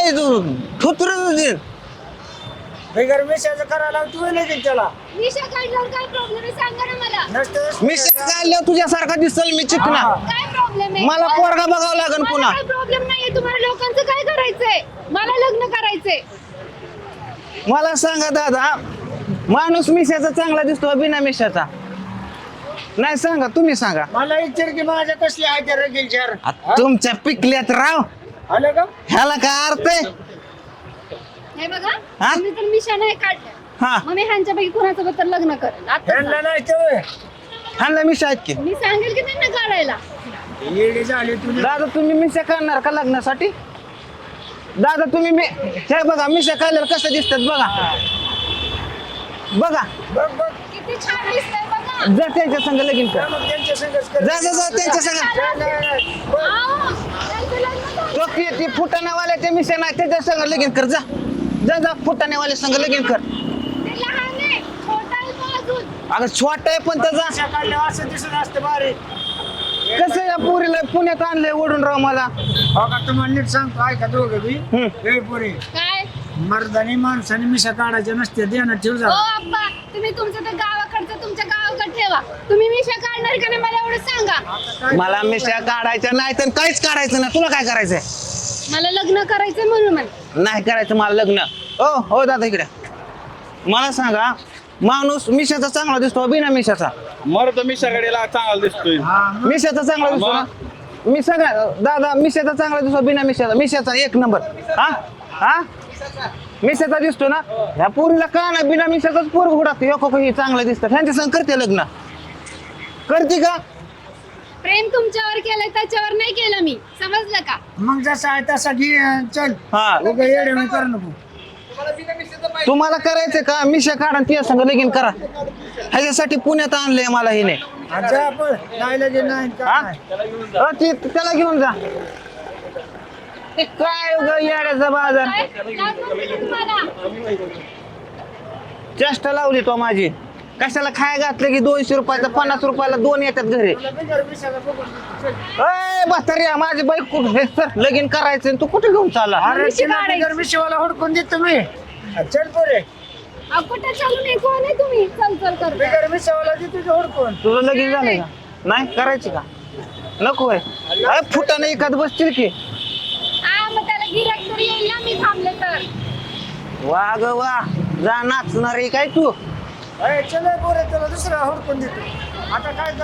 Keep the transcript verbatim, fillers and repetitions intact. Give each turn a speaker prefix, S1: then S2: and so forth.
S1: काय तू थुतर
S2: बिगर मिशाचं करायला तू नाही त्याला
S3: मिशा काढल्यावर काय प्रॉब्लेम आहे सांगा ना मला.
S2: नसतं
S1: मी काढल्यावर तुझ्यासारखा दिसल मी चिकना
S3: काय प्रॉब्लेम आहे?
S1: मला पोरगा बघावं लागेल
S3: मला
S1: पुन्हा.
S3: काय प्रॉब्लेम नाहीये. तुम्हाला लोकांचं काय करायचंय? मला लग्न करायचंय.
S1: मला सांगा दादा माणूस मिशाचा चांगला दिसतो बिना मिशाचा नाही सांगा तुम्ही सांगा
S2: मला विचार की माझ्या कसले आहे रगील चार
S1: आ, तुमच्या पिकल्यात राव
S2: आलं का
S1: ह्याला काय अर्थ आहे
S3: हे बघा
S1: हा?
S3: तुम्ही तर मिशा नाही काढल्या.
S1: हा
S3: मग मी ह्यांच्यापैकी कुणाचं तर लग्न करेल. आता
S2: ह्यांना नाही ते
S1: ह्याला मिशा आहेत की
S3: मी सांगेल की त्यांना काढायला.
S2: येडी झाली तुझी
S1: दादा तुम्ही मिशा काढणार का लग्नासाठी दादा तुम्ही मी हे बघा मिशा काढल्यावर कसं दिसतात बघा बघा
S2: बघ बघ
S3: किती छान दिसतंय बघा.
S1: जा त्यांच्या संग लगीन कर
S2: मग त्यांच्या संगच कर
S1: जा जा जा त्यांच्या संग
S2: नाही, नाही, नाही. बघ.
S3: आओ, त्यांचं लग्न झालं.
S1: तो ती ती फुटाण्यावाल्या ते मिशा नाही त्याच्या संग लगीन कर जा जा जा फुटाण्यावाल्या संग लगीन कर
S3: ते लहान आहे, छोटा आहे तो अजून.
S1: अगं छोटा आहे पण त्याचा
S2: मिशा काढल्यावर असं दिसत असतं बारीक
S1: कसं या पोरीला पुण्यात आणलंय ओढून राव मला
S2: हो का तुम्हाला नीट सांगतो ऐका दोघं बी
S1: हम्म.
S2: हे पुरे
S3: काय
S2: मर्दानी माणसाने मिशा काढायच्या नसते ध्यानात ठेव
S3: ओ
S2: जा
S3: अप्पा तुम्ही तुमचं तर गावाकडचं तुमच्या गावाकडे ठेवा. तुम्ही मिशा काढणार का नाही मला एवढं सांगा.
S1: मला मिशा काढायच्या नाही तर काहीच काढायचं नाही तुला काय करायचंय
S3: मला लग्न करायचंय म्हणून म्हण.
S1: नाही करायचं मला लग्न हो हो दादा इकडे मला सांगा माणूस मिशाचा चांगला दिसतो बिना मिशाचा
S4: मर्द मिशाकडीला चांगला दिसतोय
S2: हा मग.
S1: मिशाचा चांगला दिसतो ना मी सगळ्या दादा मिशाचा चांगला दिसतो बिना मिशाचा मिशाचा एक नंबर हा हा मिशाचा दिसतो ना ह्या पोरीला का ना बिना मिशाचाच पोर घोडात ही चांगलं दिसतं ह्यांच्या संग करते लग्न करते का
S3: प्रेम तुमच्यावर केलंय त्याच्यावर नाही केलं मी. समजलं का?
S2: मग जसा आहे तसा घे अन चल
S1: हा
S2: उगा येडे मी कर नको
S1: तुम्हाला करायचं का मिशा काढा आणि तिच्या संग लगीन करा ह्याच्यासाठी पुण्यात आणलंय मला हिने
S2: अच्छा आपण नाही लगे नाही
S1: हा?
S2: काय नाही.
S1: अ, ती त्याला घेऊन जा ते काय उगा येड्याचा बाजार
S3: काय? लाज वाटते का तुम्हाला?
S1: चेष्टा लावली तो माझी कशाला खाय घातलं की दोनशे रुपयाचा पन्नास रुपयाला दोन येतात घरी
S2: तुला बिगर मिशाचं बघून चल.
S1: अय म्हाताऱ्या माझी बाईक कुठं हे सर लगीन करायचं आणि तू कुठे घेऊन चालला
S2: अरे
S3: मिशी
S2: तिला
S3: काढायची.
S2: बिगर मिशीवाला हुडकून देत तुम्ही चल पोरे
S3: अहो, कुठं चालू नाही कोण आहे तुम्ही चल चल करता.
S2: बिगर मिशावाला दे तुझं हुडकून
S1: तुझं लगीन झालंय का नाही करायची का नको आहे अय फुटाने एखाद बसतील की
S3: हा मग त्याला गिऱ्हाईक तरी येईल ना मी थांबले तर.
S1: वा ग वा जा नाचणार आहे काय तू
S2: अरे चल पोरे तुला दुसरा हुडकून देतो आता काय